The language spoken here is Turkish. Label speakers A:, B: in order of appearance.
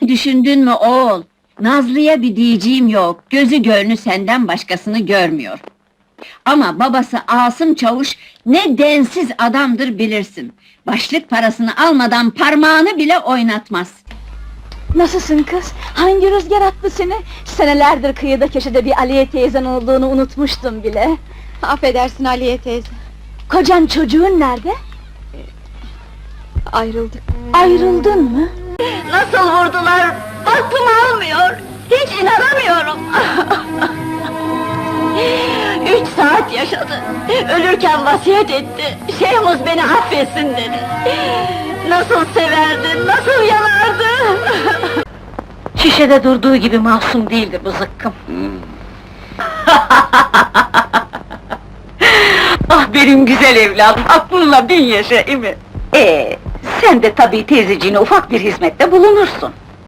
A: Düşündün mü oğul? Nazlı'ya bir diyeceğim yok, gözü gönlü senden başkasını görmüyor. Ama babası Asım Çavuş, ne densiz adamdır bilirsin. Başlık parasını almadan parmağını bile oynatmaz.
B: Nasılsın kız? Hangi rüzgar attı seni? Senelerdir kıyıda köşede bir Aliye teyzen olduğunu unutmuştum bile.
C: Affedersin Aliye teyze.
B: Kocan çocuğun nerede?
C: Ayrıldık.
B: Ayrıldın mı?
A: Nasıl vurdular? Aklım almıyor! Hiç inanamıyorum! 3 saat yaşadı! Ölürken vasiyet etti! Şeyhmuz beni affetsin dedi! Nasıl severdi, nasıl yanardı!
B: Şişede durduğu gibi masum değildir bu zıkkım.
D: Ah benim güzel evladım, aklınla bin yaşa, değil mi? Sen de tabii teyzeciğine ufak bir hizmette bulunursun.